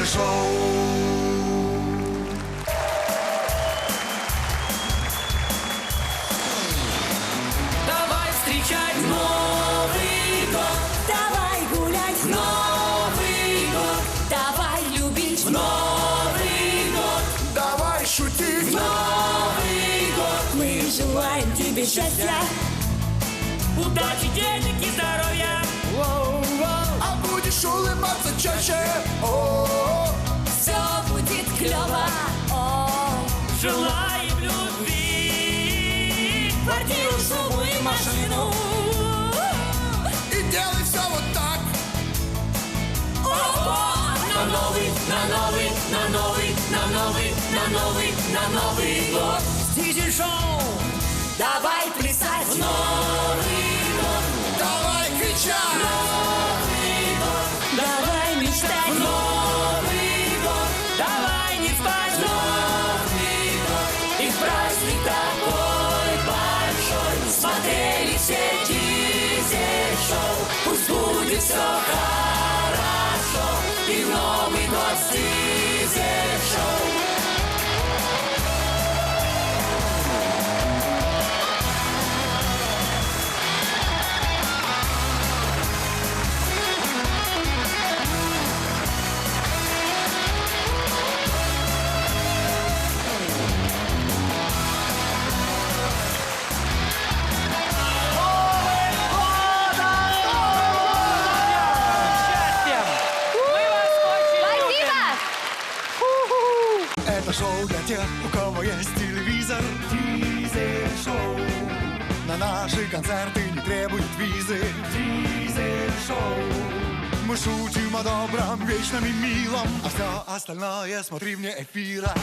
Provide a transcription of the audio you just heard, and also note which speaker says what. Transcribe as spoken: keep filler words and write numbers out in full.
Speaker 1: Это шоу.
Speaker 2: Давай встречать Новый год,
Speaker 3: Давай гулять в
Speaker 2: Новый год,
Speaker 3: давай любить
Speaker 2: в Новый год,
Speaker 1: Давай шутить.
Speaker 2: Новый год.
Speaker 3: Мы желаем тебе счастья.
Speaker 2: Удачи, денег и здоровья.
Speaker 1: А будешь улыбаться чаще. О-о-о.
Speaker 3: Все будет клево. О,
Speaker 2: Желаем любви,
Speaker 3: квартиру, шубу и машину.
Speaker 1: И делай все вот так.
Speaker 2: на новый, на новый, на новый, на новый, на новый, на Новый год. Дизель-шоу.
Speaker 3: Давай плясать.
Speaker 2: Новый год,
Speaker 1: Давай кричать.
Speaker 2: Новый год,
Speaker 3: Давай мечтать.
Speaker 2: Новый год, давай не спать. Новый год, и праздник такой большой. Смотрели все Дизель-шоу. Пусть будет все хорошо. И в Новый год с Дизель-шоу.
Speaker 1: Это шоу для тех, у кого есть телевизор. Дизель-шоу. На наши концерты не требуют визы. Дизель-шоу. Мы шутим о добром, вечном и милом, а все остальное смотри вне эфира.